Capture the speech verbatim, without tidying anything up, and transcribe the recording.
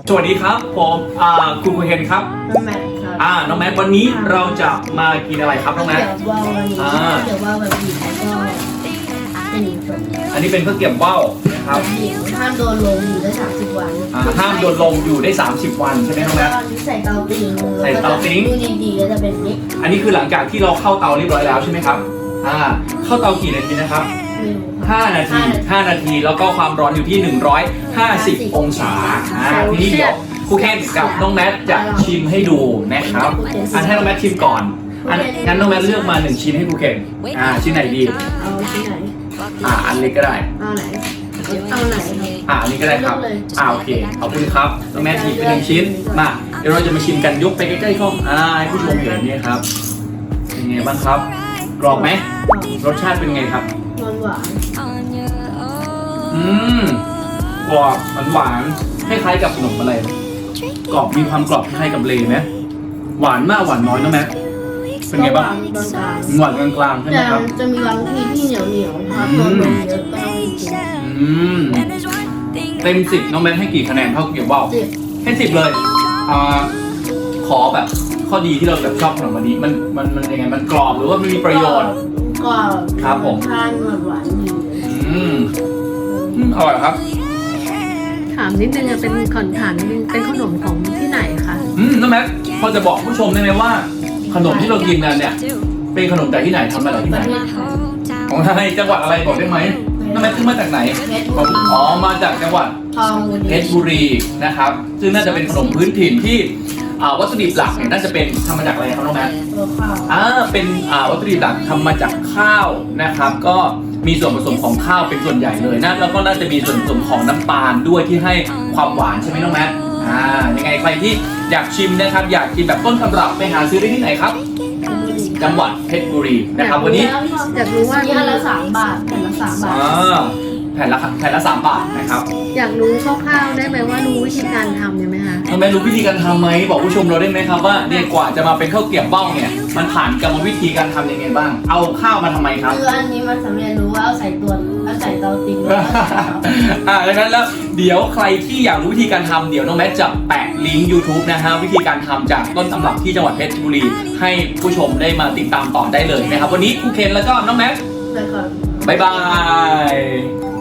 สวัสดีครับผมอ่าคุณคุเฮนครับน้องแม็กครับอ่าน้องแม็กวันนี้เราจะมากินอะไรครับน้องแม็กเดี๋ยวว่าวันนี้อ่าเดี๋ยวว่าแบบบีบแล้วก็เป็นแบบอันนี้เป็นข้าวเกรี๊ยวเบ้านะครับบีบห้ามโดนลงอยู่ได้สามสิบวันอ่าห้ามโดนลงอยู่ได้สามสิบวันใช่ไหมน้องแม็กแล้วก็ใส่เตาติ้งใส่เตาติ้งดูดีๆก็จะเป็นนี้อันนี้คือหลังจากที่เราเข้าเตาเรียบร้อยแล้วใช่ไหมครับอ่าเข้าเตากี่นาทีนะครับไม่รู้ห้านาทีห้านาทีแล้วก็ความร้อนอยู่ที่หนึ่งร้อยห้าสิบองศาอ่าทีนี้เดี๋ยวครูเคนกับน้องแมทจะชิมให้ดูนะครับอันให้น้องแมทชิมก่อนอันงั้นน้องแมทเลือกมาหนึ่งชิ้นให้ครูเคนอ่าชิ้นไหนดีเอาที่ไหนอ่าอันเล็กก็ได้เอาไหนเอาไหนครับอ่าอันนี้ก็ได้ครับอ่าโอเคขอบคุณครับน้องแมทหยิบไปหนึ่งชิ้นมาเดี๋ยวเราจะมาชิมกันยกไปใกล้ๆกล้องอ่าให้ผู้ชมเห็นนี่ครับเป็นไงบ้างครับกรอบไหมรสชาติเป็นไงครับหวานหวานอืมกรอบหวานๆคล้ายๆกับขนมอะไรกรอบมีความกรอบคล้ายกับเลไหมหวานมากหวานน้อยนะแม่เป็นไงบ้างหวานกลางหวานกลางๆใช่ๆไหมแต่ครับจะมีบางที่ที่เหนียวเหนียวๆถ้าโดนลงเยอะก็ต้องกินอืมเต็มสิบน้องแมทให้กี่คะแนนเท่าเกี่ยวว่าวสิบให้สิบเลยอ่าขอแบบข้อดีที่เราแบบชอบขนมวันนี้มันมันมันยังไงมันกรอบหรือว่ามันมีประโยชน์ก็ครับผมทานหวานหวานๆดีเลยอืมอืมอร่อยครับถามนิดนึงอะเป็นขอนถามนิดนึงเป็นขนมของที่ไหนคะอืมน้องแมทพอจะบอกผู้ชมได้ไหมว่า ขนมที่เรากินกันเนี่ย เป็นขนมจากที่ไหนทำมาจากที่ปไหนระเทศไทยของไทยจังหวัดอะไรบอกได้ไหมน้องแมทขึ้นมาจากไหนเพชรบุรีอ๋อมาจากจังหวัดทองบุเพรีชรบุรีนะครับ ซึ่งน่าจะเป็นขนมพื้นถิ่นที่อ่าวัตถุดิบหลักเนี่ยน่าจะเป็นทำมาจากอะไรครับน้องแมทตัวข้าวอ่าเป็นอ่าวัตถุดิบหลักทำมาจากข้าวนะครับ ก็มีส่วนผสมของข้าวเป็นส่วนใหญ่เลยนะแล้วก็น่าจะมีส่วนผสมของน้ำตาลด้วยที่ให้ความหวานใช่ไหมน้องแมทอ่ายังไงใครที่อยากชิมนะครับ อยากกินแบบต้นตำรับไปหาซื้อได้ที่ไหนครับ จังหวัดเพชรบุรีนะครับวันนี้อยากรู้ว่าที่อันละสามบาทแผ่นละสามบาทอ่าแผ่นละแผ่นละสามบาทนะครับอยากรู้คร่าวๆได้ไหมว่ารู้วิธีการทำเนี่ยไหมคะน้องแมทรู้วิธีการทำไหมบอกผู้ชมเราได้ไหมครับว่าเนี่ยกว่าจะมาเป็นข้าวเกรี๊ยวเบ้าเนี่ยมันผ่านกรรมวิธีการทำยังไงบ้าง เอาข้าวมาทำไมครับคืออันนี้มันสำเร็จรู้ว่าเอาใส่ตัวเอาใส่เตาติ้งแล้วก็ใส่เตาอ่าดังนั้นแล้วเดี๋ยวใครที่อยากรู้วิธีการทำเดี๋ยวน้องแมทจะแปะลิงก์ YouTube นะฮะวิธีการทำจากต้นตำรับที่จังหวัดเพชรบุรี ให้ผู้ชมได้มาติดตามต่อได้เลยนะครับวันนี้ครูเคนแล้วก็น้องแมทไปก่อนบ๊ายบาย